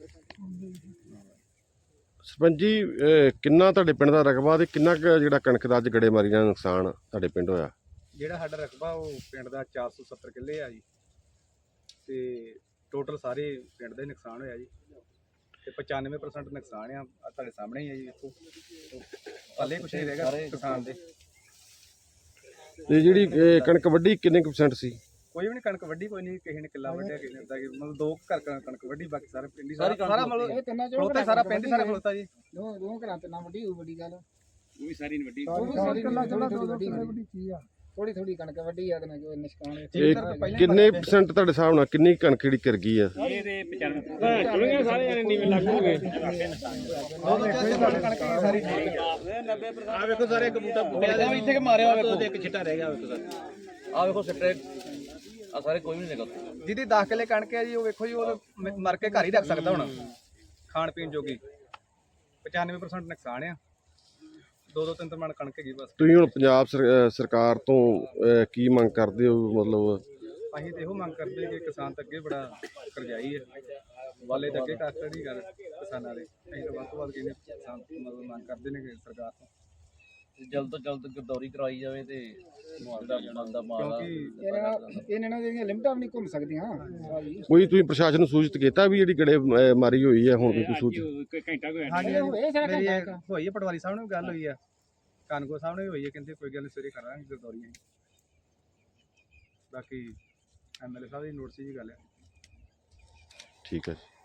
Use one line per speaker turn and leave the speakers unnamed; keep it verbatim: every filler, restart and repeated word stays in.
ਸਰਪੰਚ जी किन्ना तुहाडे पिंड दा रकबा ते किन्ना क जिहड़ा कणक दा अज गड़ेमारी नाल नुकसान तुहाडे पिंड होया?
ਜਿਹੜਾ ਸਾਡਾ ਰਕਬਾ ਉਹ ਪਿੰਡ ਦਾ ਚਾਰ ਸੌ ਸੱਤਰ ਕਿੱਲੇ ਆ ਜੀ ਤੇ ਟੋਟਲ ਸਾਰੇ ਪਿੰਡ ਦਾ ਹੀ ਨੁਕਸਾਨ ਹੋਇਆ ਜੀ ਤੇ ਪਚਾਨਵੇਂ ਪਰਸੈਂਟ ਨੁਕਸਾਨ ਆ ਆਹ ਤੁਹਾਡੇ ਸਾਹਮਣੇ ਹੀ ਆ ਜੀ ਵੇਖੋ ਪੱਲੇ ਕੁਛ ਨਹੀਂ ਰਹੇਗਾ ਕਿਸਾਨ ਦੇ।
ਤੇ ਜਿਹੜੀ ਇਹ ਕਣਕ ਵੱਢੀ ਕਿੰਨੇ ਕੁ percent ਸੀ?
ਕੋਈ ਵੀ ਨਹੀਂ ਕਣਕ ਵੱਢੀ, ਕੋਈ ਨਹੀਂ ਕਿਸੇ ਨੇ ਕਿੱਲਾ ਵੱਢਿਆ ਕਿਸੇ ਨੇ ਅੱਧਾ ਕਿ ਮਤਲਬ ਦੋ ਘਰ ਕ- ਕਣਕ ਵੱਢੀ, ਬਾਕੀ ਸਾਰੇ ਪਿੰਡ ਹੀ ਸਾਰਾ ਸਾਰਾ ਮਤਲਬ
ਇਹ ਤਿੰਨਾਂ ਚੋਂ
ਖਲੋਤਾ ਸਾਰਾ ਪਿੰਡ ਹੀ ਸਾਰਾ ਖਲੋਤਾ ਜੀ।
ਦੋ ਦੋ ਘਰਾਂ ਤੇ ਨਾ ਵੱਡੀ ਹੋਈ ਵੱਡੀ ਗੱਲ
ਉਹ ਵੀ ਸਾਰੀ ਨਹੀਂ ਵੱਢੀ।
ਥੋੜੀ ਥੋੜੀ ਕਣਕ ਵੱਡੀ ਆ ਤੇ ਨਾ ਜੋ ਨਿਸ਼ਕਾਨ
ਇਹ ਕਿੰਨੇ percent ਤੁਹਾਡੇ ਹਿਸਾਬ ਨਾਲ ਕਿੰਨੀ ਕਣਕ ਜਿਹੜੀ ਕਰ ਗਈ ਆ?
ਇਹ ਤੇ ਪਚਾਨਵੇਂ ਚੁਣੀਆਂ ਸਾਰੇ ਜਣੇ ਨੀਵੇਂ ਲੱਗ ਹੋ ਗਏ। ਸਾਰੀ ਆ ਵੇਖੋ ਸਾਰੇ ਇੱਕ ਬੂਟਾ ਬੂਟਾ ਇੱਥੇ ਕਿ ਮਾਰਿਆ ਵੇਖੋ ਤੇ ਇੱਕ ਛਿੱਟਾ ਰਹਿ ਗਿਆ ਵੇਖੋ ਸਰ ਆ ਵੇਖੋ ਸਿੱਟੇ ਆ ਸਾਰੇ ਕੋਈ ਨਹੀਂ ਨਿਕਲਦਾ। ਜਿਹਦੀ ਦਸ ਕਿੱਲੇ ਕਣਕ ਹੈ ਜੀ ਉਹ ਵੇਖੋ ਜੀ ਉਹ ਮਰ ਕੇ ਘਰ ਹੀ ਰੱਖ ਸਕਦਾ ਹੁਣ ਖਾਣ ਪੀਣ ਜੋਗੀ। ਪਚਾਨਵੇਂ ਪਰਸੈਂਟ ਨੁਕਸਾਨ ਆ, ਦੋ ਦੋ ਤਿੰਨ ਤਿੰਨ ਮਣ ਕਣਕ ਹੈਗੀ ਬਸ।
ਤੁਸੀਂ ਹੁਣ ਪੰਜਾਬ ਸਰ- ਸਰਕਾਰ ਤੋਂ ਅਹ, ਕੀ ਮੰਗ ਕਰਦੇ ਹੋ? ਮਤਲਬ
ਅਸੀਂ ਤੇ ਇਹੋ ਮੰਗ ਕਰਦੇ ਕਿ ਕਿਸਾਨ ਤਾਂ ਅੱਗੇ ਬੜਾ ਕਰਜ਼ਾਈ ਹੈ, ਵਾਲੇ ਤਾਂ ਅੱਗੇ ਕਰ ਦੀ ਗੱਲ ਕਿਸਾਨਾਂ ਦੇ। ਅਸੀਂ ਤਾਂ ਵੱਧ ਤੋਂ ਵੱਧ ਕਹਿੰਦੇ ਕਿਸਾਨ ਮਤਲਬ ਮੰਗ ਕਰਦੇ ਨੇ ਕਿ ਸਰਕਾਰ ਤੋਂ
ਜਲਦ ਤੋਂ ਜਲਦ ਗਰਦੌਰੀ ਕਰਾਈ ਜਾਵੇ ਤੇ ਮੁਆਵਜ਼ਾ ਬਣਦਾ ਮਾਲ
ਕਿਉਂਕਿ
ਇਹਨਾਂ ਨਾਲ ਜਿਹੜੀਆਂ ਲਿਮਟਾਂ ਵੀ ਨਹੀਂ ਘੁੰਮ ਸਕਦੀਆਂ ਸਾਰੀ।
ਕੋਈ ਤੁਸੀਂ ਪ੍ਰਸ਼ਾਸਨ ਨੂੰ ਸੂਚਿਤ ਕੀਤਾ ਵੀ ਜਿਹੜੀ ਗੜੇਮਾਰੀ ਹੋਈ ਹੈ ਹੁਣ ਕੋਈ ਸੂਚਿਤ?
ਘੰਟਾ ਕੋਈ
ਹਾਂਜੀ ਇਹ ਸਾਰਾ
ਮੇਰੀ
ਘੰਟਾ ਕੁ।
ਹੋਈ ਹੈ, ਪਟਵਾਰੀ ਸਾਹਿਬ ਨਾਲ ਵੀ ਗੱਲ ਹੋਈ ਆ, ਕਾਨਗੋ ਸਾਹਿਬ ਨਾਲ ਵੀ ਹੋਈ ਹੈ, ਕਹਿੰਦੇ ਕੋਈ ਗੱਲ ਨਹੀਂ ਸਵੇਰੇ ਕਰਾਂਗੇ ਗਰਦੌਰੀਆਂ। ਬਾਕੀ ਐਮ ਐਲ ਏ ਸਾਹਿਬ ਦੀ ਨੋਟਿਸ ਦੀ ਗੱਲ ਹੈ।
ਠੀਕ ਹੈ ਜੀ।